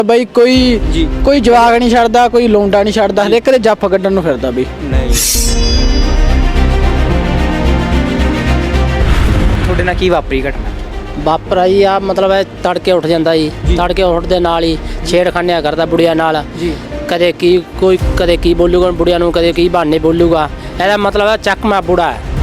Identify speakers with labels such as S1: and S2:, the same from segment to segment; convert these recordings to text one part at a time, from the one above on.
S1: ਬਈ ਕੋਈ ਜਵਾਕ ਨਹੀਂ ਛੱਡਦਾ, ਕੋਈ ਲੋਂਡਾ ਨਹੀਂ ਛੱਡਦਾ, ਹਰੇਕ ਦੇ ਜੱਫ ਕੱਢਣ ਨੂੰ ਫਿਰਦਾ ਬਈ।
S2: ਨਹੀਂ ਤੁਹਾਡੇ ਨਾਲ ਕੀ ਵਾਪਰੀ ਘਟਨਾ?
S3: ਵਾਪਰਾ ਜੀ ਆ ਮਤਲਬ ਹੈ ਤੜਕੇ ਉੱਠ ਜਾਂਦਾ ਜੀ, ਤੜਕੇ ਉੱਠਦੇ ਨਾਲ ਹੀ ਛੇੜਖਾਨਿਆਂ ਕਰਦਾ ਬੁੜੀਆਂ ਨਾਲ
S2: ਜੀ।
S3: ਕਦੇ ਕੀ ਬੋਲੂਗਾ ਬੁੜੀਆਂ ਨੂੰ, ਕਦੇ ਕੀ ਬਹਾਨੇ ਬੋਲੂਗਾ। ਇਹਦਾ ਮਤਲਬ ਹੈ ਚੱਕਮਾ ਬੁੜਾ ਹੈ।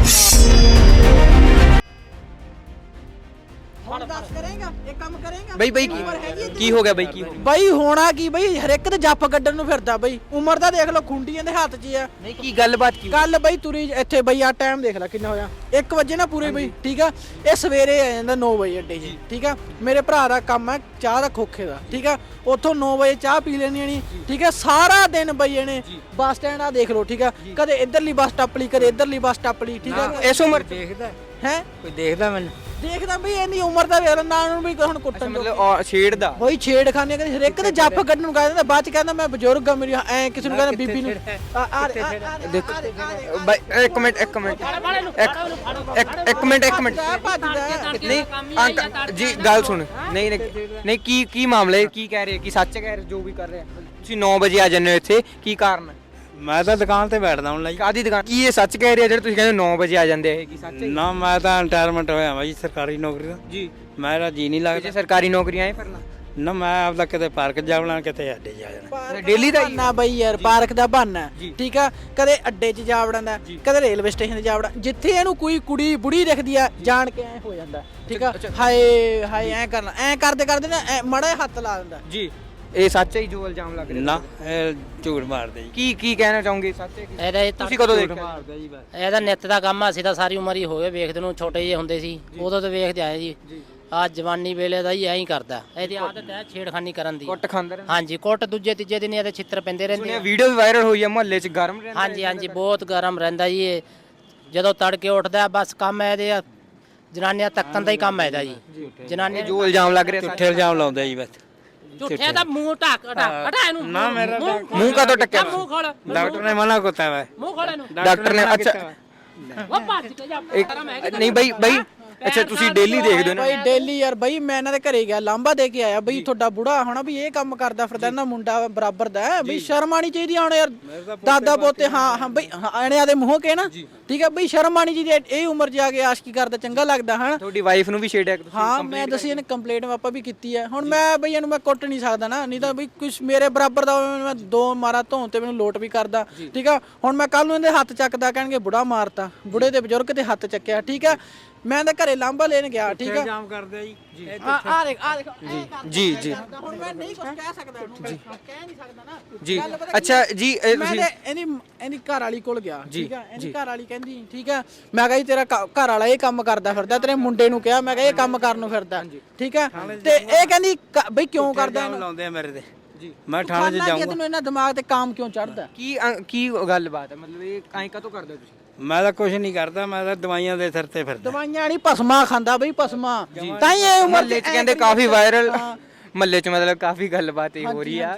S2: ਬਈ ਕੀ ਹੋ ਗਿਆ ਬਈ? ਕੀ
S1: ਬਈ ਹੋਣਾ ਕੀ ਬਈ, ਹਰੇਕ ਦੇ ਜੱਫ ਕੱਢਣ ਨੂੰ ਫਿਰਦਾ ਬਈ। ਉਮਰ ਦਾ ਦੇਖ ਲਓ, ਖੁੰਡੀਆਂ ਦੇ ਹੱਥ 'ਚ ਆ।
S2: ਨਹੀਂ ਕੀ ਗੱਲਬਾਤ ਕੀ?
S1: ਕੱਲ ਬਈ ਤੁਰੀ ਇੱਥੇ ਬਈ ਆ ਟਾਈਮ ਦੇਖ ਲੈ ਕਿੰਨਾ ਹੋਇਆ, 1 ਵਜੇ ਨਾ ਪੂਰੇ ਬਈ। ਠੀਕ ਆ, ਇਹ ਸਵੇਰੇ ਆ ਜਾਂਦਾ 9 ਵਜੇ ਅੱਡੇ 'ਚ। ਠੀਕ ਆ, ਮੇਰੇ ਭਰਾ ਦਾ ਕੰਮ ਹੈ ਚਾਹ ਦਾ ਖੋਖੇ ਦਾ। ਠੀਕ ਆ, ਉੱਥੋਂ 9 ਵਜੇ ਚਾਹ ਪੀ ਲੈਣੀ ਨਹੀਂ। ਠੀਕ ਆ, ਸਾਰਾ ਦਿਨ ਬਈ ਇਹਨੇ ਬੱਸ ਸਟੈਂਡ ਆ ਦੇਖ ਲਓ। ਠੀਕ ਆ, ਕਦੇ ਇੱਧਰਲੀ ਬੱਸ ਟੱਪ ਲਈ, ਕਦੇ ਇੱਧਰਲੀ ਬੱਸ ਟੱਪ ਲਈ। ਠੀਕ ਆ,
S2: ਇਸ ਉਮਰ ਦੇਖਦਾ
S1: ਹੈ
S2: ਕੋਈ ਦੇਖਦਾ ਮੈਨੂੰ
S1: ਦੇਖਦਾ ਬਈ ਇੰਨੀ ਉਮਰ ਦਾ ਵੇਖ ਨਾ ਉਹਨੂੰ ਵੀ ਹੁਣ ਕੁੱਟਣ
S2: ਮਤਲਬ ਛੇੜਦਾ
S1: ਬਈ। ਛੇੜਖਾਨੇ ਕਦੇ ਹਰੇਕ ਦੇ ਜੱਫ ਕੱਢਣ ਨੂੰ ਕਹਿੰਦਾ, ਬਾਅਦ ਚ ਕਹਿੰਦਾ ਮੈਂ ਬਜ਼ੁਰਗ ਆ, ਮੇਰੀ ਐ ਕਿਸੇ ਨੂੰ ਕਹਿੰਦਾ ਬੀਬੀ ਨੂੰ।
S2: ਬਈ ਇੱਕ ਮਿੰਟ ਨਹੀਂ ਅੰਕਲ ਜੀ ਗੱਲ ਸੁਣ। ਨਹੀਂ ਕੀ ਮਾਮਲਾ ਹੈ? ਕੀ ਕਹਿ ਰਹੇ? ਕੀ ਸੱਚ ਕਹਿ ਰਹੇ ਜੋ ਵੀ ਕਰ ਰਹੇ? ਤੁਸੀਂ 9 ਵਜੇ ਆ ਜਾਂਦੇ ਹੋ ਇੱਥੇ, ਕੀ ਕਾਰਨ ਹੈ?
S4: ਮੈਂ ਤਾਂ ਦੁਕਾਨ ਤੇ ਬੈਠਦਾ ਹੁਣ ਲਈ।
S2: ਕਾਦੀ ਦੁਕਾਨ? ਕੀ ਇਹ ਸੱਚ ਕਹਿ ਰਹੇ ਆ ਜਿਹੜੇ ਤੁਸੀਂ ਕਹਿੰਦੇ 9 ਵਜੇ ਆ ਜਾਂਦੇ ਆ? ਇਹ ਕੀ ਸੱਚ ਹੈ?
S4: ਨਾ ਮੈਂ ਤਾਂ ਰਿਟਾਇਰਮੈਂਟ ਹੋਇਆ ਵਾ ਜੀ ਸਰਕਾਰੀ ਨੌਕਰੀ ਦਾ
S2: ਜੀ।
S4: ਮੇਰਾ ਜੀ ਨਹੀਂ
S2: ਜੇ
S4: ਲੱਗਦਾ।
S2: ਸਰਕਾਰੀ ਨੌਕਰੀਆਂ ਹੈ ਫਿਰਨਾ
S4: ਨਾ ਮੈਂ ਆਪਦਾ ਕਿਤੇ ਪਾਰਕ ਜਾਵਣਾ, ਕਿਤੇ ਅੱਡੇ ਜਾ ਜਾਣਾ।
S2: ਡੇਲੀ ਦਾ ਹੀ
S1: ਨਾ ਬਈ ਯਾਰ, ਪਾਰਕ ਦਾ ਬਹਾਨਾ। ਠੀਕ ਆ, ਕਦੇ ਅੱਡੇ 'ਚ ਜਾ ਵੜਦਾ, ਕਦੇ ਰੇਲਵੇ ਸਟੇਸ਼ਨ ਤੇ ਜਾ ਵੜਦਾ। ਜਿੱਥੇ ਇਹਨੂੰ ਕੋਈ ਕੁੜੀ ਬੁੜੀ ਦਿਖਦੀ ਆ, ਜਾਣ ਕੇ ਐ ਹੋ ਜਾਂਦਾ। ਠੀਕ ਆ, ਹਾਏ ਹਾਏ ਐ ਕਰਨਾ, ਐ ਕਰਦੇ ਨਾ ਮੜਾ ਹੱਥ ਲਾ ਦਿੰਦਾ
S2: ਜੀ। ਇਹ ਸੱਚ ਹੈ ਜੋ ਇਲਜ਼ਾਮ ਲੱਗ ਰਿਹਾ?
S4: ਨਾ ਇਹ ਝੂਠ ਮਾਰਦੇ ਜੀ।
S2: ਕੀ ਕਹਿਣਾ ਚਾਹੋਗੇ? ਸੱਚ ਹੈ ਕੀ?
S3: ਇਹਦਾ
S2: ਤੁਸੀਂ ਕਦੋਂ ਦੇਖਿਆ?
S4: ਮਾਰਦੇ ਜੀ ਬਸ।
S3: ਇਹਦਾ ਨਿੱਤ ਦਾ ਕੰਮ ਆ। ਅਸੀਂ ਤਾਂ ਸਾਰੀ ਉਮਰ ਹੀ ਹੋ ਗਏ ਵੇਖਦੇ ਨੂੰ, ਛੋਟੇ ਜਿਹੇ ਹੁੰਦੇ ਸੀ ਉਦੋਂ ਤੋਂ ਵੇਖਦੇ ਆਏ ਜੀ। ਆ ਜਵਾਨੀ ਵੇਲੇ ਦਾ ਹੀ ਐਂ ਹੀ ਕਰਦਾ। ਇਹਦੀ ਆਦਤ ਹੈ ਛੇੜਖਾਨੀ ਕਰਨ ਦੀ।
S2: ਕੁੱਟ ਖਾਂਦੇ ਰਹਿੰਦੇ?
S3: ਹਾਂਜੀ, ਕੁੱਟ ਦੂਜੇ ਤੀਜੇ ਦਿਨ ਇਹਦੇ ਛਿੱਤਰ ਪੈਂਦੇ ਰਹਿੰਦੇ
S2: ਸੁਣਿਆ
S3: ਆ।
S2: ਵੀਡੀਓ ਵੀ ਵਾਇਰਲ ਹੋਈ ਹੈ ਮੁਹੱਲੇ 'ਚ, ਗਰਮ ਰਹਿੰਦਾ?
S3: ਹਾਂਜੀ ਬਹੁਤ ਗਰਮ ਰਹਿੰਦਾ ਜੀ ਇਹ। ਜਦੋਂ ਤੜਕੇ ਉੱਠਦਾ ਬਸ ਕੰਮ ਇਹਦੇ ਆ, ਜਨਾਨੀਆਂ ਤੱਕਣ ਦਾ ਹੀ ਕੰਮ ਹੈ ਇਹਦਾ ਜੀ। ਜਨਾਨੀਆਂ
S2: ਜੋ ਇਲਜ਼ਾਮ ਲੱਗ ਰਿਹਾ
S4: ਝੂਠੇ ਇਲਜ਼ਾਮ ਲਾਉਂਦੇ ਜੀ ਬਸ।
S3: ਝੂਠਿਆਂ ਦਾ ਮੂੰਹ ਢੱਕ ਇਹਨੂੰ।
S4: ਨਾ ਮੇਰਾ
S2: ਮੂੰਹ ਕਦੋਂ ਟੱਕਿਆ?
S3: ਮੂੰਹ ਖੋਲ,
S4: ਡਾਕਟਰ ਨੇ ਮਨਾ ਕੀਤਾ ਵਾ।
S3: ਮੂੰਹ ਖੋਲ ਇਹਨੂੰ।
S2: ਡਾਕਟਰ ਨੇ? ਅੱਛਾ
S3: ਉਹ ਭੱਜ ਕੇ ਜਾ।
S2: ਨਹੀਂ ਬਈ ਅੱਛਾ ਤੁਸੀਂ ਡੇਲੀ ਦੇਖਦੇ ਹੋ ਨਾ?
S1: ਬਈ ਡੇਲੀ ਯਾਰ ਬਈ, ਮੈਂ ਇਹਨਾਂ ਦੇ ਘਰੇ ਗਿਆ, ਲਾਂਬਾ ਦੇ ਕੇ ਆਇਆ ਬਈ। ਤੁਹਾਡਾ ਬੁੜਾ ਹੋਣਾ ਵੀ ਇਹ ਕੰਮ ਕਰਦਾ ਫਿਰਦਾ, ਇਹਨਾਂ ਮੁੰਡਾ ਬਰਾਬਰ ਦਾ ਹੈ ਬਈ। ਸ਼ਰਮ ਆਣੀ ਚਾਹੀਦੀ ਹੁਣ ਯਾਰ, ਦਾਦਾ ਪੋਤੇ। ਹਾਂ ਬਈ, ਆਣਿਆਂ ਦੇ ਮੂੰਹ ਕੇ ਨਾ। ਠੀਕ ਹੈ ਬਈ, ਸ਼ਰਮ ਆਣੀ ਚਾਹੀਦੀ। ਇਹ ਉਮਰ 'ਚ ਆ ਕੇ ਆਸ਼ਕੀ ਕਰਦਾ ਚੰਗਾ ਲੱਗਦਾ ਹਨ?
S2: ਤੁਹਾਡੀ ਵਾਈਫ ਨੂੰ ਵੀ ਛੇੜਿਆ ਤੁਸੀਂ?
S1: ਹਾਂ ਮੈਂ ਦੱਸੀ ਇਹਨੇ ਕੰਪਲੇਂਟ ਆਪਾਂ ਵੀ ਕੀਤੀ ਹੈ। ਹੁਣ ਮੈਂ ਬਈ ਇਹਨੂੰ ਮੈਂ ਕੁੱਟ ਨਹੀਂ ਸਕਦਾ ਨਾ, ਨਹੀਂ ਤਾਂ ਬਈ ਕੁਛ ਮੇਰੇ ਬਰਾਬਰ ਦਾ ਮੈਂ 2 ਮਾਰਾ ਧੋਣ ਤੇ ਮੈਨੂੰ ਲੋਟ ਵੀ ਕਰਦਾ। ਠੀਕ ਆ, ਹੁਣ ਮੈਂ ਕੱਲ ਨੂੰ ਇਹਦੇ ਹੱਥ ਚੱਕਦਾ, ਕਹਿਣਗੇ ਬੁੜਾ ਮਾਰਤਾ, ਬੁੜੇ ਦੇ ਬਜ਼ੁਰਗ ਤੇ ਹੱਥ ਚੱਕਿਆ। ਠੀਕ ਆ, ਮੈਂ ਇਹਦੇ ਘਰੇ ਲਾਂਬਾ ਲੈਣ ਗਿਆ। ਠੀਕ ਆ,
S4: ਇਲਜ਼ਾਮ ਕਰਦੇ ਜੀ।
S1: ਆ ਦੇਖ
S2: ਜੀ
S1: ਹੁਣ ਮੈਂ ਨਹੀਂ ਕੁਝ ਕਹਿ ਸਕਦਾ ਉਹਨੂੰ, ਕਹਿ ਨਹੀਂ ਸਕਦਾ ਨਾ
S2: ਜੀ। ਅੱਛਾ ਜੀ
S1: ਮੈਂ ਇਹਦੀ ਘਰ ਵਾਲੀ ਕੋਲ ਗਿਆ। ਠੀਕ ਆ, ਇਹਦੀ ਘਰ ਵਾਲੀ ਕਹਿੰਦੀ ਠੀਕ ਆ, ਮੈਂ ਕਿਹਾ ਜੀ ਤੇਰਾ ਘਰ ਵਾਲਾ ਇਹ ਕੰਮ ਕਰਦਾ ਫਿਰਦਾ, ਤੇਰੇ ਮੁੰਡੇ ਨੂੰ ਕਿਹਾ, ਮੈਂ ਕਿਹਾ ਇਹ ਕੰਮ ਕਰਨ ਨੂੰ ਫਿਰਦਾ। ਠੀਕ ਆ, ਤੇ ਇਹ ਕਹਿੰਦੀ ਬਈ ਕਿਉਂ ਕਰਦਾ ਇਹਨੂੰ?
S4: ਲਾਉਂਦੇ ਆ ਮੇਰੇ ਤੇ ਜੀ। ਮੈਂ ਥਾਣੇ 'ਚ ਜਾਊਂਗਾ।
S1: ਤੈਨੂੰ ਇਹਨਾਂ ਦਿਮਾਗ ਤੇ ਕੰਮ ਕਿਉਂ ਚੜਦਾ?
S2: ਕੀ ਗੱਲਬਾਤ ਹੈ? ਮਤਲਬ ਇਹ ਐਂ ਕਦੋਂ ਕਰਦੇ ਹੋ ਤੁਸੀਂ?
S4: ਮੈਂ ਤਾਂ ਕੁਝ ਨਹੀਂ ਕਰਦਾ, ਮੈਂ ਤਾਂ ਦਵਾਈਆਂ ਦੇ ਸਿਰ ਤੇ ਫਿਰਦਾ।
S1: ਦਵਾਈਆਂ ਨਹੀਂ, ਭਸਮਾ ਖਾਂਦਾ ਬਈ, ਭਸਮਾ। ਤਾਂ ਹੀ ਇਹ ਉਮਰ
S2: ਮਹੱਲੇ 'ਚ ਕਹਿੰਦੇ ਕਾਫੀ ਵਾਇਰਲ, ਮਹੱਲੇ 'ਚ ਮਤਲਬ ਕਾਫੀ ਗੱਲਬਾਤ ਇਹ ਹੋ ਰਹੀ ਆ।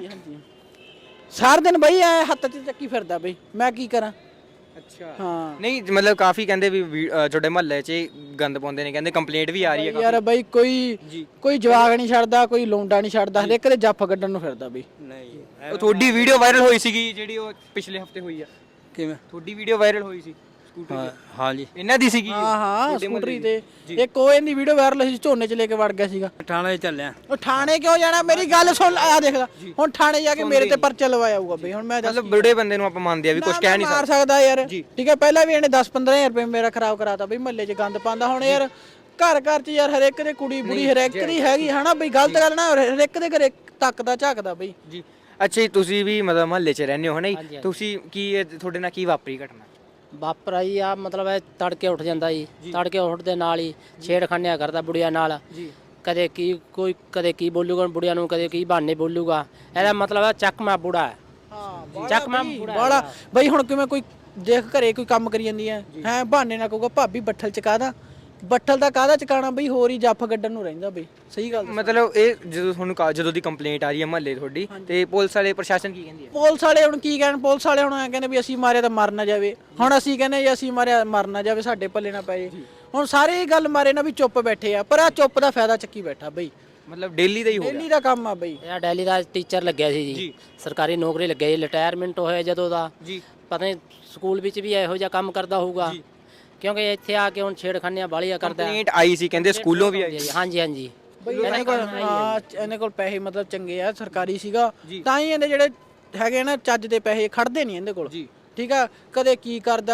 S1: ਸਾਰਾ ਦਿਨ ਬਈ ਐ ਹੱਥ 'ਚ ਚੱਕੀ ਫਿਰਦਾ ਬਈ, ਮੈਂ ਕੀ ਕਰਾਂ?
S2: ਅੱਛਾ
S1: ਹਾਂ
S2: ਨਹੀਂ ਮਤਲਬ ਕਾਫੀ ਕਹਿੰਦੇ ਵੀ ਤੁਹਾਡੇ ਮਹੱਲੇ 'ਚ ਗੰਦ ਪਾਉਂਦੇ ਨੇ, ਕਹਿੰਦੇ ਕੰਪਲੇਂਟ ਵੀ ਆ ਰਹੀ ਹੈ
S1: ਯਾਰ ਬਈ। ਕੋਈ ਜਵਾਕ ਨਹੀਂ ਛੱਡਦਾ, ਕੋਈ ਲੋਂਡਾ ਨਹੀਂ ਛੱਡਦਾ, ਹਰੇਕ ਦੇ ਜੱਫ ਕੱਢਣ ਨੂੰ ਫਿਰਦਾ ਬਈ।
S4: ਨਹੀਂ
S2: ਉਹ ਤੁਹਾਡੀ ਵੀਡੀਓ ਵਾਇਰਲ ਹੋਈ ਸੀਗੀ ਜਿਹੜੀ ਉਹ ਪਿਛਲੇ ਹਫਤੇ ਹੋਈ ਆ?
S4: ਕਿਵੇਂ?
S2: ਤੁਹਾਡੀ ਵੀਡੀਓ ਵਾਇਰਲ ਹੋਈ ਸੀ ਸਕੂਟਰ ਦੀ?
S4: ਹਾਂ ਜੀ।
S2: ਇਹਨਾਂ ਦੀ ਸੀਗੀ?
S1: ਹਾਂ ਸਕੂਟਰੀ ਤੇ ਇੱਕ ਉਹ ਇਹਦੀ ਵੀਡੀਓ ਵਾਇਰਲ ਸੀ, ਝੋਨੇ 'ਚ ਲੈ ਕੇ ਵੜ ਗਿਆ ਸੀਗਾ।
S4: ਥਾਣੇ 'ਚ ਚੱਲਿਆ।
S1: ਉਹ ਥਾਣੇ ਕਿਉਂ ਜਾਣਾ? ਮੇਰੀ ਗੱਲ ਸੁਣ, ਆ ਦੇਖਦਾ ਹੁਣ ਥਾਣੇ ਜਾ ਕੇ ਮੇਰੇ ਤੇ ਪਰਚਾ ਲਵਾਇਆ ਹੋਊਗਾ ਬਈ। ਹੁਣ ਮੈਂ
S2: ਮਤਲਬ ਬੁੜੇ ਬੰਦੇ ਨੂੰ ਆਪਾਂ ਮੰਨਦੇ ਆ ਵੀ ਕੁਝ ਕਹਿ ਨਹੀਂ
S1: ਮਾਰ ਸਕਦਾ ਯਾਰ। ਠੀਕ ਹੈ, ਪਹਿਲਾਂ ਵੀ ਇਹਨੇ 10-15 ਹਜ਼ਾਰ ਰੁਪਏ ਮੇਰਾ ਖਰਾਬ ਕਰਾਤਾ ਬਈ, ਮਹੱਲੇ 'ਚ ਗੰਦ ਪਾਉਂਦਾ। ਹੁਣ ਯਾਰ ਘਰ 'ਚ ਯਾਰ ਹਰੇਕ ਦੇ ਕੁੜੀ ਬੁੜੀ ਹਰੇਕ ਦੀ ਹੈਗੀ ਹਨਾ ਬਈ, ਗਲਤ ਗੱਲ ਨਾ। ਹਰੇਕ ਦੇ ਘਰੇ ਤੱਕਦਾ ਝਾਕਦਾ ਬਈ
S2: ਜੀ। ਅੱਛਾ ਜੀ, ਤੁਸੀਂ ਵੀ ਮਤਲਬ ਮਹੱਲੇ 'ਚ ਰਹਿੰਦੇ ਹੋ ਹਨਾ ਜੀ? ਤੁਸੀਂ ਕੀ ਤੁਹਾਡੇ ਨਾਲ ਕੀ ਵਾਪਰੀ ਘਟਨਾ?
S3: ਵਾਪਰਾ ਜੀ ਆ ਮਤਲਬ ਹੈ ਤੜਕੇ ਉੱਠ ਜਾਂਦਾ ਜੀ, ਤੜਕੇ ਉੱਠਦੇ ਨਾਲ ਹੀ ਛੇੜਖਾਨਿਆਂ ਕਰਦਾ ਬੁੜੀਆਂ ਨਾਲ। ਕਦੇ ਕੀ ਬੋਲੂਗਾ ਬੁੜੀਆਂ ਨੂੰ, ਕਦੇ ਕੀ ਬਹਾਨੇ ਬੋਲੂਗਾ। ਇਹਦਾ ਮਤਲਬ ਹੈ ਚੱਕਮਾ ਬੁੜਾ ਹੈ। ਚੱਕਮਾ
S1: ਬੜਾ ਬਈ। ਹੁਣ ਕਿਵੇਂ ਕੋਈ ਦੇਖ ਘਰੇ ਕੋਈ ਕੰਮ ਕਰੀ ਜਾਂਦੀ ਹੈ ਬਹਾਨੇ ਨਾਲ ਕਹੂਗਾ ਭਾਬੀ ਬੱਠਲ ਚ ਕਾਹਦਾ, ਬੱਠਲ ਦਾ ਕਾਹਦਾ ਚਕਾਣਾ ਬਈ, ਹੋਰ ਹੀ ਜੱਫ ਗੱਡਣ ਨੂੰ ਰਹਿੰਦਾ ਬਈ। ਸਹੀ ਗੱਲ
S2: ਮਤਲਬ ਇਹ ਜਦੋਂ ਤੁਹਾਨੂੰ ਜਦੋਂ ਦੀ ਕੰਪਲੇਂਟ ਆ ਰਹੀ ਹੈ ਮਹੱਲੇ ਤੁਹਾਡੀ, ਤੇ ਪੁਲਿਸ ਵਾਲੇ ਪ੍ਰਸ਼ਾਸਨ ਕੀ ਕਹਿੰਦੀ ਹੈ?
S1: ਪੁਲਿਸ ਵਾਲੇ ਹੁਣ ਕੀ ਕਹਿਣ? ਪੁਲਿਸ ਵਾਲੇ ਹੁਣ ਕਹਿੰਦੇ ਵੀ ਅਸੀਂ ਮਾਰਿਆ ਤਾਂ ਮਰ ਨਾ ਜਾਵੇ। ਹੁਣ ਅਸੀਂ ਕਹਿੰਦੇ ਜੀ ਅਸੀਂ ਮਾਰਿਆ ਮਰ ਨਾ ਜਾਵੇ, ਸਾਡੇ ਪੱਲੇ ਨਾ ਪਏ। ਹੁਣ ਸਾਰੇ ਇਹ ਗੱਲ ਮਾਰੇ ਨਾ ਵੀ ਚੁੱਪ ਬੈਠੇ ਆ, ਪਰ ਆ ਚੁੱਪ ਦਾ ਫਾਇਦਾ ਚੱਕੀ ਬੈਠਾ ਬਈ।
S2: ਮਤਲਬ ਡੇਲੀ ਦਾ ਹੀ ਹੋ ਗਿਆ
S1: ਡੇਲੀ ਦਾ ਕੰਮ ਆ ਬਈ।
S3: ਇਹ ਦਿੱਲੀ ਦਾ ਟੀਚਰ ਲੱਗਿਆ ਸੀ ਜੀ, ਸਰਕਾਰੀ ਨੌਕਰੀ ਲੱਗਿਆ ਜੀ, ਰਿਟਾਇਰਮੈਂਟ ਹੋਇਆ ਜਦੋਂ ਦਾ
S2: ਜੀ।
S3: ਪਤਾ ਨਹੀਂ ਸਕੂਲ ਵਿੱਚ ਵੀ ਇਹੋ ਜਿਹਾ ਕੰਮ ਕਰਦਾ ਹੋਊਗਾ, ਕਿਉਂਕਿ ਇੱਥੇ ਆ ਕੇ ਹੁਣ ਛੇੜਖਾਨੀਆਂ ਬਾਲੀਆਂ ਕਰਦਾ।
S2: ਕੰਪਲੇਂਟ ਆਈ ਸੀ ਕਹਿੰਦੇ ਸਕੂਲੋਂ ਵੀ ਆਈ ਸੀ।
S3: ਹਾਂਜੀ ਹਾਂਜੀ
S1: ਬਈ ਇਹਨਾਂ ਕੋਲ ਇਹਨਾਂ ਕੋਲ ਪੈਸੇ ਮਤਲਬ ਚੰਗੇ ਆ, ਸਰਕਾਰੀ ਸੀਗਾ ਤਾਂ ਹੀ ਇਹਦੇ ਜਿਹੜੇ ਹੈਗੇ ਨਾ ਚੱਜ ਦੇ ਪੈਸੇ ਖੜਦੇ ਨਹੀਂ ਇਹਦੇ ਕੋਲ। ਠੀਕ ਆ, ਕਦੇ ਕੀ ਕਰਦਾ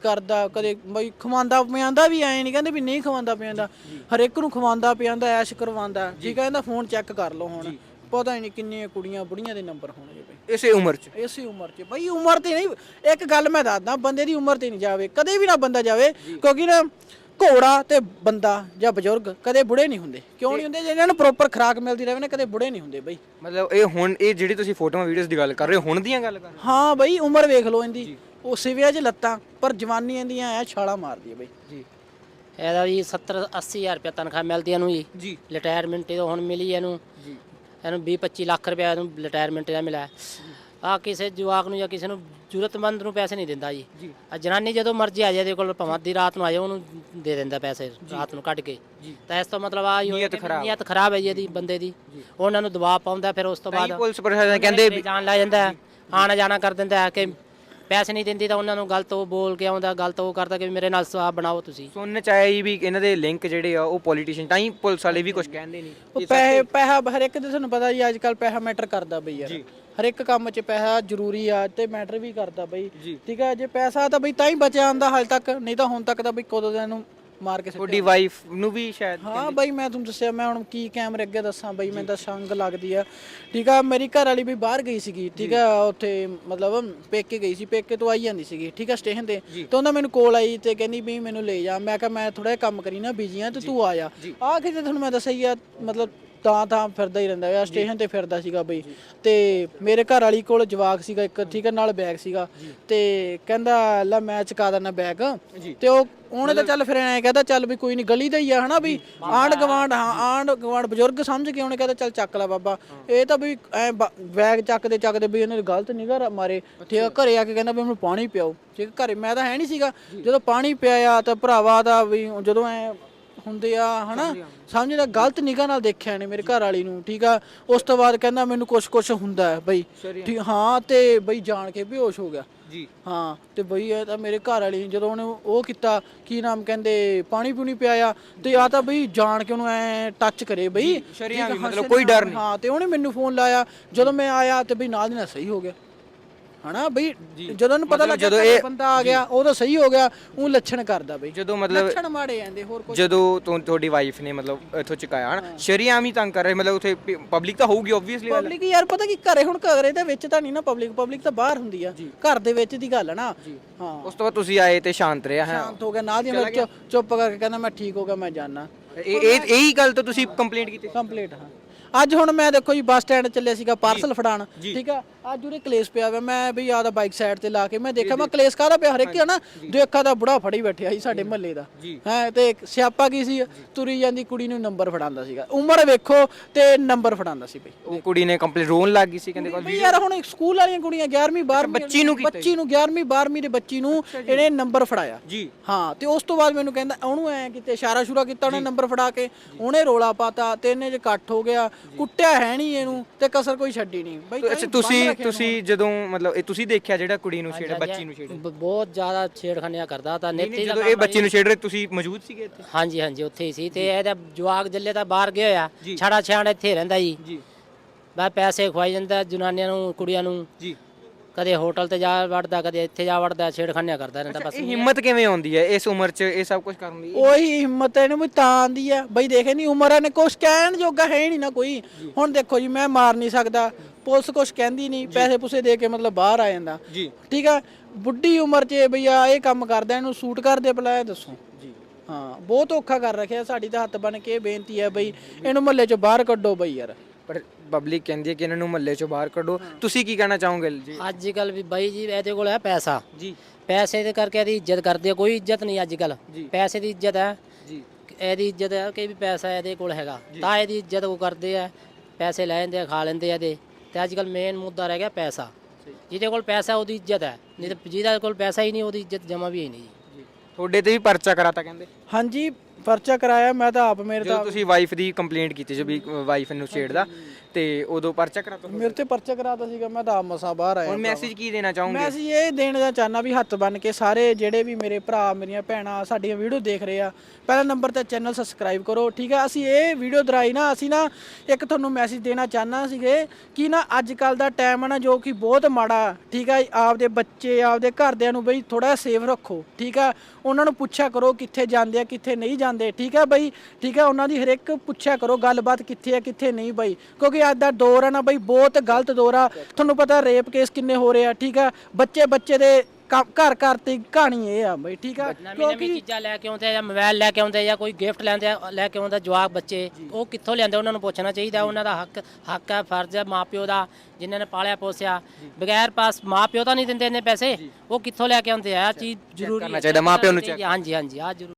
S1: ਕਦੇ ਬਈ ਖਵਾਉਂਦਾ ਪਿਆਂਦਾ ਵੀ, ਐ ਨਹੀਂ ਕਹਿੰਦੇ ਵੀ ਨਹੀਂ ਖਵਾਉਂਦਾ ਪਿਆਂਦਾ, ਹਰ ਇੱਕ ਨੂੰ ਖਵਾਉਂਦਾ ਪਿਆਂਦਾ, ਐਸ਼ ਕਰਵਾਉਂਦਾ। ਠੀਕ ਆ, ਇਹਦਾ ਫੋਨ ਚੈੱਕ ਕਰ ਲਓ ਹੁਣ, ਪਤਾ ਹੀ ਨਹੀਂ ਕਿੰਨੀਆਂ ਕੁੜੀਆਂ ਬੁੜੀਆਂ ਦੇ ਨੰਬਰ ਹੋਣਗੇ ਬਈ
S2: ਇਸੇ ਉਮਰ 'ਚ।
S1: ਇਸੇ ਉਮਰ 'ਚ ਬਈ। ਉਮਰ ਤੇ ਨਹੀਂ, ਇੱਕ ਗੱਲ ਮੈਂ ਦੱਸਦਾ, ਬੰਦੇ ਦੀ ਉਮਰ ਤੇ ਨਹੀਂ ਜਾਵੇ ਕਦੇ ਵੀ ਨਾ ਬੰਦਾ ਜਾਵੇ, ਕਿਉਂਕਿ ਨਾ ਘੋੜਾ ਤੇ ਬੰਦਾ ਜਾਂ ਬਜ਼ੁਰਗ ਕਦੇ ਬੁੜੇ ਨਹੀਂ ਹੁੰਦੇ। ਕਿਉਂ ਨਹੀਂ ਹੁੰਦੇ? ਜੇ ਇਹਨਾਂ ਨੂੰ ਪ੍ਰੋਪਰ ਖੁਰਾਕ ਮਿਲਦੀ ਰਹੇ ਨਾ, ਕਦੇ ਬੁੜੇ ਨਹੀਂ ਹੁੰਦੇ ਬਈ।
S2: ਮਤਲਬ ਇਹ ਹੁਣ ਇਹ ਜਿਹੜੀ ਤੁਸੀਂ ਫੋਟੋਆਂ ਵੀਡੀਓਜ਼ ਦੀ ਗੱਲ ਕਰ ਰਹੇ ਹੋ, ਹੁਣ ਦੀਆਂ ਗੱਲ ਕਰ ਰਹੇ ਹੋ?
S1: ਹਾਂ ਬਈ, ਉਮਰ ਵੇਖ ਲਓ ਇਹਦੀ, ਉਹ ਸਿਵਿਆਂ 'ਚ ਲੱਤਾਂ, ਪਰ ਜਵਾਨੀ ਇਹਦੀਆਂ ਐ ਛਾਲਾਂ ਮਾਰਦੀ ਹੈ ਬਈ।
S2: ਜੀ।
S3: ਇਹਦਾ ਜੀ 70-80 ਹਜ਼ਾਰ ਰੁਪਏ ਤਨਖਾਹ ਮਿਲਦੀ ਇਹਨੂੰ ਜੀ। ਰਿਟਾਇਰਮੈਂਟ ਇਹ ਹੁਣ ਮਿਲੀ ਇਹਨੂੰ, ਇਹਨੂੰ 20-25 ਲੱਖ ਰੁਪਏ ਇਹਨੂੰ ਰਿਟਾਇਰਮੈਂਟ ਦਾ ਮਿਲਿਆ। ਆ ਕਿਸੇ ਜਵਾਕ ਨੂੰ ਜਾਂ ਕਿਸੇ ਨੂੰ ਜ਼ਰੂਰਤਮੰਦ ਨੂੰ ਪੈਸੇ ਨਹੀਂ ਦਿੰਦਾ ਜੀ। ਆ ਜਨਾਨੀ ਜਦੋਂ ਮਰਜ਼ੀ ਆ ਜਾਏ ਇਹਦੇ ਕੋਲ, ਭਾਵੇਂ ਅੱਧੀ ਰਾਤ ਨੂੰ ਆ ਜਾਏ, ਉਹਨੂੰ ਦੇ ਦਿੰਦਾ ਪੈਸੇ ਰਾਤ ਨੂੰ ਕੱਢ ਕੇ। ਤਾਂ ਇਸ ਤੋਂ ਮਤਲਬ ਆ ਨੀਅਤ ਖਰਾਬ ਹੈ ਜੀ ਇਹਦੀ, ਬੰਦੇ ਦੀ। ਉਹਨਾਂ ਨੂੰ ਦਬਾਅ ਪਾਉਂਦਾ, ਫਿਰ ਉਸ ਤੋਂ ਬਾਅਦ
S2: ਪੁਲਿਸ ਪ੍ਰਸ਼ਾਸਨ ਕਹਿੰਦੇ
S3: ਜਾਣ ਲੱਗ ਜਾਂਦਾ, ਆਣਾ ਜਾਣਾ ਕਰ ਦਿੰਦਾ ਹੈ ਕਿ ਪੈਸੇ ਨਹੀਂ ਦਿੰਦੀ, ਤਾਂ ਉਹਨਾਂ ਨੂੰ ਗਲਤ ਉਹ ਬੋਲ ਕੇ ਆਉਂਦਾ, ਗਲਤ ਉਹ ਕਰਦਾ ਕਿ ਮੇਰੇ ਨਾਲ ਸਾਹ ਬਣਾਓ ਤੁਸੀਂ।
S2: ਸੁਣਨ ਚ ਆਇਆ ਵੀ ਇਹਨਾਂ ਦੇ ਲਿੰਕ ਜਿਹੜੇ ਆ ਉਹ ਪੋਲੀਟੀਸ਼ੀਅਨ, ਤਾਂ ਹੀ ਪੁਲਿਸ ਵਾਲੇ ਵੀ ਕੁਝ ਕਹਿੰਦੇ ਨਹੀਂ।
S1: ਉਹ ਪੈਸਾ ਹਰ ਇੱਕ ਦੇ, ਤੁਹਾਨੂੰ ਪਤਾ ਜੀ ਅੱਜ ਕੱਲ ਪੈਸਾ ਮੈਟਰ ਕਰਦਾ ਬਈ ਯਾਰ। ਹਰ ਇੱਕ ਕੰਮ 'ਚ ਪੈਸਾ ਜ਼ਰੂਰੀ ਆ ਤੇ ਮੈਟਰ ਵੀ ਕਰਦਾ ਬਈ। ਠੀਕ ਆ, ਜੇ ਪੈਸਾ ਤਾਂ ਬਈ ਤਾਂ ਹੀ ਬਚਿਆ ਆਂਦਾ ਹਾਲੇ ਤੱਕ, ਨਹੀਂ ਤਾਂ ਹੁਣ ਤੱਕ ਤਾਂ ਬਈ ਕਦੋਂ ਦੇ ਇਹਨੂੰ ਮਾਰ ਕੇ
S2: ਤੁਹਾਡੀ ਵਾਈਫ ਨੂੰ ਵੀ ਸ਼ਾਇਦ।
S1: ਹਾਂ ਬਈ, ਮੈਂ ਤੁਹਾਨੂੰ ਦੱਸਿਆ, ਮੈਂ ਹੁਣ ਕੀ ਕੈਮਰੇ ਅੱਗੇ ਦੱਸਾਂ ਬਈ, ਮੈਨੂੰ ਤਾਂ ਸੰਗ ਲੱਗਦੀ ਆ। ਠੀਕ ਆ, ਮੇਰੀ ਘਰ ਵਾਲੀ ਵੀ ਬਾਹਰ ਗਈ ਸੀਗੀ। ਠੀਕ ਆ, ਉੱਥੇ ਮਤਲਬ ਪੇਕੇ ਗਈ ਸੀ, ਪੇਕੇ ਤੋਂ ਆਈ ਜਾਂਦੀ ਸੀਗੀ। ਠੀਕ ਆ, ਸਟੇਸ਼ਨ ਤੇ ਉਹਨਾਂ ਮੈਨੂੰ ਕੋਲ ਆਈ ਤੇ ਕਹਿੰਦੀ ਵੀ ਮੈਨੂੰ ਲੈ ਜਾ। ਮੈਂ ਕਿਹਾ ਮੈਂ ਥੋੜਾ ਜਿਹਾ ਕੰਮ ਕਰੀ ਨਾ, ਬਿਜੀ ਆ, ਤੇ ਤੂੰ ਆ ਜਾ। ਆਹ ਕਿਤੇ ਤੁਹਾਨੂੰ ਮੈਂ ਦੱਸਿਆ ਹੀ ਆ, ਮਤਲਬ ਤਾਂ ਫਿਰਦਾ ਹੀ ਰਹਿੰਦਾ ਆ, ਸਟੇਸ਼ਨ ਤੇ ਫਿਰਦਾ ਸੀਗਾ ਬਈ। ਤੇ ਮੇਰੇ ਘਰ ਵਾਲੀ ਕੋਲ ਜਵਾਕ ਸੀਗਾ ਇੱਕ, ਠੀਕ ਆ, ਨਾਲ ਬੈਗ ਸੀਗਾ, ਤੇ ਕਹਿੰਦਾ ਲੈ ਮੈਂ ਚੁਕਾ ਦਿੰਦਾ ਬੈਗ। ਤੇ ਉਹਨੇ ਤਾਂ ਚੱਲ ਫਿਰ ਐਂ ਕਹਿੰਦਾ ਚੱਲ ਵੀ ਕੋਈ ਨਹੀਂ, ਗਲੀ ਦਾ ਹੀ ਆ ਹਨਾ ਵੀ, ਆਂਢ ਗਵਾਂਢ ਬਜ਼ੁਰਗ ਸਮਝ ਕੇ ਉਹਨੇ ਕਹਿੰਦਾ ਚੱਲ ਚੱਕ ਲੈ ਬਾਬਾ। ਇਹ ਤਾਂ ਵੀ ਐ ਬੈਗ ਚੱਕਦੇ ਵੀ ਇਹਨੇ ਗਲਤ ਨਿਗਾਹ ਮਾਰੇ। ਠੀਕ ਆ, ਘਰੇ ਆ ਕੇ ਕਹਿੰਦਾ ਵੀ ਮੈਨੂੰ ਪਾਣੀ ਪਿਆਓ। ਠੀਕ ਆ, ਘਰੇ ਮੈਂ ਤਾਂ ਹੈ ਨਹੀਂ ਸੀਗਾ, ਜਦੋਂ ਪਾਣੀ ਪਿਆਇਆ ਤਾਂ ਭਰਾਵਾ ਦਾ ਵੀ ਜਦੋਂ ਐ ਹੁੰਦੇ ਆ ਹਨਾ, ਸਮਝਦਾ ਗਲਤ ਨਿਗਾਹ ਨਾਲ ਦੇਖਿਆ ਨੇ ਮੇਰੇ ਘਰ ਵਾਲੀ ਨੂੰ। ਠੀਕ ਆ, ਉਸ ਤੋਂ ਬਾਅਦ ਕਹਿੰਦਾ ਮੈਨੂੰ ਕੁਛ ਹੁੰਦਾ ਹੈ ਬਈ। ਠੀਕ ਹਾਂ, ਤੇ ਬਈ ਜਾਣ ਕੇ ਬੇਹੋਸ਼ ਹੋ ਗਿਆ ਜੀ। ਹਾਂ, ਤੇ ਬਈ ਇਹ ਤਾਂ ਮੇਰੇ ਘਰ ਵਾਲੀ ਜਦੋਂ ਉਹਨੇ ਉਹ ਕੀਤਾ, ਕੀ ਨਾਮ ਕਹਿੰਦੇ, ਪਾਣੀ ਪੂਣੀ ਪਿਆਇਆ, ਤੇ ਆ ਤਾਂ ਬਈ ਜਾਣ ਕੇ ਉਹਨੂੰ ਐ ਟੱਚ ਕਰੇ ਬਈ,
S2: ਮਤਲਬ ਕੋਈ ਡਰ ਨਹੀਂ।
S1: ਹਾਂ, ਤੇ ਉਹਨੇ ਮੈਨੂੰ ਫੋਨ ਲਾਇਆ, ਜਦੋਂ ਮੈਂ ਆਇਆ ਤੇ ਬਈ ਨਾਲ ਦੀ ਨਾਲ ਸਹੀ ਹੋ ਗਿਆ ਹਨਾ ਬਈ। ਜਦੋਂ ਉਹਨੂੰ ਪਤਾ ਲੱਗਾ ਜਦੋਂ ਇਹ ਬੰਦਾ ਆ ਗਿਆ, ਉਹ ਤਾਂ ਸਹੀ ਹੋ ਗਿਆ। ਉਹ ਲੱਛਣ ਕਰਦਾ ਬਈ,
S2: ਜਦੋਂ ਮਤਲਬ
S1: ਲੱਛਣ ਮਾੜੇ ਜਾਂਦੇ ਹੋਰ ਕੁਝ।
S2: ਜਦੋਂ ਤੁਹਾਡੀ ਵਾਈਫ ਨੇ ਮਤਲਬ ਇੱਥੋਂ ਚੁਕਾਇਆ ਹਨਾ, ਸ਼ਰੀਆਮ ਹੀ ਤੰਗ ਕਰ ਰਹੇ, ਮਤਲਬ ਉੱਥੇ ਪਬਲਿਕ ਤਾਂ ਹੋਊਗੀ ਓਬਵੀਅਸਲੀ।
S1: ਪਬਲਿਕ ਯਾਰ ਪਤਾ ਕੀ ਘਰੇ, ਹੁਣ ਘਰੇ ਦੇ ਵਿੱਚ ਤਾਂ ਨਹੀਂ ਨਾ ਪਬਲਿਕ ਤਾਂ ਬਾਹਰ ਹੁੰਦੀ ਆ, ਘਰ ਦੇ ਵਿੱਚ ਦੀ ਗੱਲ ਨਾ। ਹਾਂ, ਉਸ
S2: ਤੋਂ ਬਾਅਦ ਤੁਸੀਂ ਆਏ ਤੇ ਸ਼ਾਂਤ ਰਿਹਾ ਹੈ?
S1: ਸ਼ਾਂਤ ਹੋ ਗਿਆ, ਨਾਲ ਦੀ ਮੈਂ ਚੁੱਪ ਕਰਕੇ ਕਹਿੰਦਾ ਮੈਂ ਠੀਕ ਹੋ ਗਿਆ, ਮੈਂ ਜਾਣਾ।
S2: ਇਹੀ ਗੱਲ ਤੋਂ ਤੁਸੀਂ ਕੰਪਲੇਂਟ ਕੀਤੀ?
S1: ਕੰਪਲੀਟ, ਹਾਂ। ਅੱਜ ਹੁਣ ਮੈਂ ਦੇਖੋ ਜੀ ਬੱਸ ਸਟੈਂਡ ਚੱਲਿਆ ਸੀਗਾ ਪਾਰਸਲ ਫੜਾਣ। ਠੀਕ ਆ, ਅੱਜ ਉਰੇ ਕਲੇਸ਼ ਪਿਆ ਵਾ, ਮੈਂ ਵੀ ਆਦਾ ਬਾਈਕ ਸਾਈਡ ਤੇ ਲਾ ਕੇ ਮੈਂ ਦੇਖਿਆ, ਮੈਂ ਕਲੇਸ਼ ਕਾਹਦਾ ਪਿਆ, ਹਰੇਕ ਨਾ ਦੇਖਾ ਦਾ ਬੁੜਾ ਫੜੀ ਬੈਠਿਆ ਸੀ ਸਾਡੇ ਮਹੱਲੇ ਦਾ ਹੈ। ਤੇ ਸਿਆਪਾ ਕੀ ਸੀ, ਤੁਰੀ ਜਾਂਦੀ ਕੁੜੀ ਨੂੰ ਨੰਬਰ ਫੜਾਉਂਦਾ ਸੀਗਾ, ਉਮਰ ਵੇਖੋ ਤੇ ਨੰਬਰ ਫੜਾਉਂਦਾ ਸੀ ਬਈ।
S2: ਉਹ ਕੁੜੀ ਨੇ ਕੰਪਲੇਂਟ ਰੋਣ ਲੱਗ ਗਈ ਸੀ, ਕਹਿੰਦੇ
S1: ਯਾਰ ਹੁਣ ਸਕੂਲ ਵਾਲੀਆਂ ਕੁੜੀਆਂ 11ਵੀਂ 12ਵੀਂ
S2: ਬੱਚੀ ਨੂੰ
S1: 11ਵੀਂ 12ਵੀਂ ਦੇ ਬੱਚੀ ਨੂੰ ਇਹਨੇ ਨੰਬਰ ਫੜਾਇਆ ਜੀ। ਹਾਂ, ਤੇ ਉਸ ਤੋਂ ਬਾਅਦ ਮੈਨੂੰ ਕਹਿੰਦਾ, ਉਹਨੂੰ ਐ ਕਿਤੇ ਇਸ਼ਾਰਾ ਸ਼ੁਰਾ ਕੀਤਾ ਉਹਨੇ ਨੰਬਰ ਫੜਾ ਕੇ, ਉਹਨੇ ਰੋਲਾ ਪਾਤਾ ਤੇ ਇਹਨੇ ਜੇ ਇਕੱਠ ਹੋ ਗਿਆ, ਕੁੱਟਿਆ ਹੈ ਨਹੀਂ ਇਹਨੂੰ ਤੇ ਕਸਰ ਕੋਈ ਛੱਡੀ ਨਹੀਂ ਬਈ।
S2: ਅੱਛਾ, ਤੁਸੀਂ ਜਦੋਂ ਮਤਲਬ ਇਹ ਤੁਸੀਂ ਦੇਖਿਆ ਜਿਹੜਾ ਕੁੜੀ ਨੂੰ ਛੇੜਿਆ, ਬੱਚੀ ਨੂੰ ਛੇੜਿਆ?
S3: ਬਹੁਤ ਜ਼ਿਆਦਾ ਛੇੜਖਾਨੀਆਂ ਕਰਦਾ ਤਾਂ ਨੇਤੀ।
S2: ਜਦੋਂ ਇਹ ਬੱਚੀ ਨੂੰ ਛੇੜ ਰਹੇ ਤੁਸੀਂ ਮੌਜੂਦ ਸੀਗੇ ਇੱਥੇ?
S3: ਹਾਂਜੀ ਹਾਂਜੀ, ਉੱਥੇ ਹੀ ਸੀ। ਤੇ ਇਹਦਾ ਜਵਾਕ ਜੱਲੇ ਤਾਂ ਬਾਹਰ ਗਿਆ ਹੋਇਆ, ਛੜਾ ਛਾੜ ਇੱਥੇ ਰਹਿੰਦਾ ਜੀ। ਬਸ ਪੈਸੇ ਖਵਾਈ ਜਾਂਦਾ ਜਨਾਨੀਆਂ ਨੂੰ, ਕੁੜੀਆਂ ਨੂੰ ਜੀ। ਕਦੇ ਹੋਟਲ ਤੇ ਜਾ ਵੜਦਾ, ਕਦੇ ਇੱਥੇ ਜਾ ਵੜਦਾ, ਛੇੜਖਾਨੀਆਂ ਕਰਦਾ ਰਹਿੰਦਾ ਬਸ।
S2: ਹਿੰਮਤ ਕਿਵੇਂ ਆਉਂਦੀ ਹੈ ਇਸ ਉਮਰ 'ਚ ਇਹ ਸਭ ਕੁਝ ਕਰਨ ਦੀ?
S1: ਉਹੀ ਹਿੰਮਤ ਇਹਨੂੰ ਵੀ ਤਾਂ ਆਂਦੀ ਆ ਬਈ, ਦੇਖੇ ਨਹੀਂ ਉਮਰ ਇਹਨੇ ਕੁਛ ਕਹਿਣ ਜੋਗਾ ਹੈ ਨਹੀਂ ਨਾ ਕੋਈ। ਹੁਣ ਦੇਖੋ ਜੀ, ਮੈਂ ਮਾਰ ਨਹੀਂ ਸਕਦਾ, ਪੁਲਿਸ ਕੁਛ ਕਹਿੰਦੀ ਨਹੀਂ, ਪੈਸੇ ਪੂਸੇ ਦੇ ਕੇ ਮਤਲਬ ਬਾਹਰ ਆ ਜਾਂਦਾ। ਠੀਕ ਆ, ਬੁੱਢੀ ਉਮਰ 'ਚ ਬਈ ਆ ਇਹ ਕੰਮ ਕਰਦਾ, ਇਹਨੂੰ ਸੂਟ ਕਰਦੇ ਭਲਾ ਦੱਸੋ ਜੀ। ਹਾਂ, ਬਹੁਤ ਔਖਾ ਕਰ ਰੱਖਿਆ। ਸਾਡੀ ਤਾਂ ਹੱਥ ਬਣ ਕੇ ਇਹ ਬੇਨਤੀ ਹੈ ਬਈ, ਇਹਨੂੰ ਮਹੱਲੇ 'ਚੋਂ ਬਾਹਰ ਕੱਢੋ ਬਈ ਯਾਰ।
S2: ਪਰ ਪਬਲਿਕ ਕਹਿੰਦੀ ਹੈ ਕਿ ਇਹਨਾਂ ਨੂੰ ਮਹੱਲੇ 'ਚੋਂ ਬਾਹਰ ਕੱਢੋ, ਤੁਸੀਂ ਕੀ ਕਹਿਣਾ ਚਾਹੋਗੇ ਜੀ?
S3: ਅੱਜ ਕੱਲ ਵੀ ਬਾਈ ਜੀ ਇਹਦੇ ਕੋਲ ਹੈ ਪੈਸਾ ਜੀ, ਪੈਸੇ ਦੇ ਕਰਕੇ ਇਹਦੀ ਇੱਜ਼ਤ ਕਰਦੇ ਆ। ਕੋਈ ਇੱਜ਼ਤ ਨਹੀਂ ਅੱਜ ਕੱਲ, ਪੈਸੇ ਦੀ ਇੱਜ਼ਤ ਹੈ ਜੀ। ਇਹਦੀ ਇੱਜ਼ਤ ਹੈ ਕਿ ਵੀ ਪੈਸਾ ਇਹਦੇ ਕੋਲ ਹੈਗਾ ਤਾਂ ਇਹਦੀ ਇੱਜ਼ਤ ਉਹ ਕਰਦੇ ਆ, ਪੈਸੇ ਲੈ ਜਾਂਦੇ ਆ, ਖਾ ਲੈਂਦੇ ਆ ਇਹਦੇ। ਤੇ ਅੱਜ ਕੱਲ ਮੇਨ ਮੁੱਦਾ ਰਹਿ ਗਿਆ ਪੈਸਾ। ਜਿਹਦੇ ਕੋਲ ਪੈਸਾ ਉਹਦੀ ਇੱਜ਼ਤ ਹੈ, ਨਹੀਂ ਤਾਂ ਜਿਹਦੇ ਕੋਲ ਪੈਸਾ ਹੀ ਨਹੀਂ ਉਹਦੀ ਇੱਜ਼ਤ ਜਮਾ ਵੀ ਹੀ ਨਹੀਂ ਜੀ।
S2: ਤੁਹਾਡੇ ਤੇ ਵੀ ਪਰਚਾ ਕਰਾਤਾ ਕਹਿੰਦੇ
S1: ਹਾਂਜੀ ਪਰਚਾ ਕਰਾਇਆ ਮੈਂ ਤਾਂ ਆਪ ਮੇਰੇ
S2: ਜਦੋਂ
S1: ਤਾਂ
S2: ਤੁਸੀਂ ਵਾਈਫ ਦੀ ਕੰਪਲੇਂਟ ਕੀਤੀ ਸੀ ਵੀ ਵਾਈਫ ਨੂੰ ਛੇੜਦਾ ਤੇ ਉਦੋਂ ਪਰਚਾ ਕਰਾਤਾ
S1: ਮੇਰੇ ਤੇ ਪਰਚਾ ਕਰਾਤਾ ਸੀਗਾ ਮੈਂ ਤਾਂ ਆਪ ਮਸਾਂ ਬਾਹਰ ਆਇਆ
S2: ਹੁਣ ਮੈਸੇਜ ਕੀ ਦੇਣਾ ਚਾਹੋਗੇ
S1: ਮੈਂ ਅਸੀਂ ਇਹ ਦੇਣਾ ਚਾਹਨਾ ਵੀ ਹੱਥ ਬੰਨ ਕੇ ਸਾਰੇ ਜਿਹੜੇ ਵੀ ਮੇਰੇ ਭਰਾ ਮੇਰੀਆਂ ਭੈਣਾਂ ਸਾਡੀਆਂ ਵੀਡੀਓ ਦੇਖ ਰਹੇ ਆ ਪਹਿਲਾ ਨੰਬਰ ਤੇ ਚੈਨਲ ਸਬਸਕ੍ਰਾਈਬ ਕਰੋ ਠੀਕ ਆ। ਅਸੀਂ ਇਹ ਵੀਡੀਓ ਦਰਾਈ ਨਾ ਅਸੀਂ ਨਾ ਇੱਕ ਤੁਹਾਨੂੰ ਮੈਸੇਜ ਦੇਣਾ ਚਾਹਨਾ ਸੀਗੇ ਕਿ ਨਾ ਅੱਜ ਕੱਲ ਦਾ ਟਾਈਮ ਹੈ ਨਾ ਜੋ ਕਿ ਬਹੁਤ ਮਾੜਾ ਠੀਕ ਆ। ਆਪਦੇ ਬੱਚੇ ਆਪਦੇ ਘਰਦਿਆਂ ਨੂੰ ਬਈ ਥੋੜਾ ਸੇਫ ਰੱਖੋ ਠੀਕ ਆ। ਉਹਨਾਂ ਨੂੰ ਪੁੱਛਿਆ ਕਰੋ ਕਿੱਥੇ ਜਾਂਦੇ ਆ ਕਿੱਥੇ ਨਹੀਂ ਜਾਂਦੇ ਠੀਕ ਆ ਬਈ ਠੀਕ ਆ। ਉਹਨਾਂ ਦੀ ਹਰ ਇੱਕ ਪੁੱਛਿਆ ਕਰੋ ਗੱਲਬਾਤ ਕਿੱਥੇ ਆ ਕਿੱਥੇ ਨਹੀਂ ਬਈ ਕਿਉਂਕਿ ਅੱਜ ਦਾ ਦੌਰ ਹੈ ਨਾ ਬਈ ਬਹੁਤ ਗਲਤ ਦੌਰ ਆ। ਤੁਹਾਨੂੰ ਪਤਾ ਰੇਪ ਕੇਸ ਕਿੰਨੇ ਹੋ ਰਹੇ ਆ ਠੀਕ ਆ। ਬੱਚੇ ਦੇ ਘਰ ਘਰ ਤੇ ਕਹਾਣੀ ਇਹ ਆ ਬਈ ਠੀਕ ਆ।
S3: ਨਵੀਂ ਚੀਜ਼ਾਂ ਲੈ ਕੇ ਆਉਂਦੇ ਆ ਜਾਂ ਮੋਬਾਈਲ ਲੈ ਕੇ ਆਉਂਦੇ ਜਾਂ ਕੋਈ ਗਿਫਟ ਲੈ ਕੇ ਆਉਂਦਾ ਜਵਾਕ ਬੱਚੇ ਉਹ ਕਿੱਥੋਂ ਲਿਆਂਦੇ ਉਹਨਾਂ ਨੂੰ ਪੁੱਛਣਾ ਚਾਹੀਦਾ। ਉਹਨਾਂ ਦਾ ਹੱਕ ਹੈ ਫਰਜ਼ ਹੈ ਮਾਪਿਓ ਦਾ ਜਿਨ੍ਹਾਂ ਨੇ ਪਾਲਿਆ ਪੋਸਿਆ ਬਗੈਰ ਪਾਸ ਮਾਪਿਓ ਤਾਂ ਨਹੀਂ ਦਿੰਦੇ ਇੰਨੇ ਪੈਸੇ ਉਹ ਕਿੱਥੋਂ ਲੈ ਕੇ ਆਉਂਦੇ ਆ ਚੀਜ਼ ਜ਼ਰੂਰੀ
S2: ਕਰਨਾ ਚਾਹੀਦਾ ਮਾਪਿਓ ਨੂੰ ਚੈੱਕ
S3: ਹਾਂਜੀ ਆ ਜ਼ਰੂਰ